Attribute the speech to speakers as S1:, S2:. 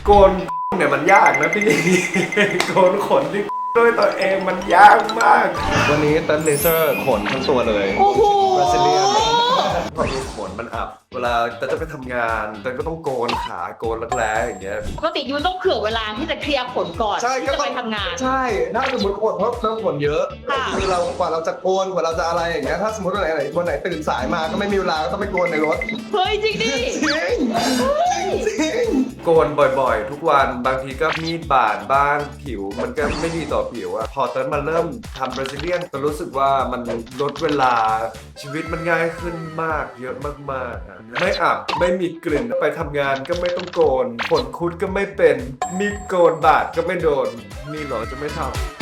S1: โกนเนี่ยมันยากนะพี่ โกนขนที่ด้วยตัวเองมันยากมากวันนี้เต้นเลเซอร์ขนทั้งตัวเลย
S2: โอ้โห
S1: บราซิเลียนพอดูขนมันอับเวลาจะไปทำงานเต้นก็ต้องโกนขาโกนรักแร้อย่างเงี้ย
S2: ปกติยูต้องเผื่อเวลาที่จะเคลียร์ขนก่อน
S3: ใช่
S2: ที่
S3: ก็
S2: จะ
S3: ต้
S2: ไป
S3: อง
S2: ทำงาน
S3: ใช่ถ้าสมมติขนเพราะเริ่มขนเยอะ
S2: ค่ะ
S3: คือเรากว่าเราจะโกนกว่าเราจะอะไรอย่างเงี้ยถ้าสมมติวันไหนตื่นสายมาก็ไม่มีเวลาก็ต้องไปโกนในรถ
S2: เฮ้ยจริงดิ
S3: จริงจริง
S1: โกนบ่อยๆ ทุกวันบางทีก็มีดบาดบ้างผิวมันก็ไม่ดีต่อผิวอะพอเต้นมาเริ่มทำบราซิเลียนก็รู้สึกว่ามันลดเวลาชีวิตมันง่ายขึ้นมากเยอะมากๆอะไม่อับไม่มีกลิ่นไปทำงานก็ไม่ต้องโกนขนคุดก็ไม่เป็นมีดโกนบาดก็ไม่โดนมีเหรอจะไม่ทำ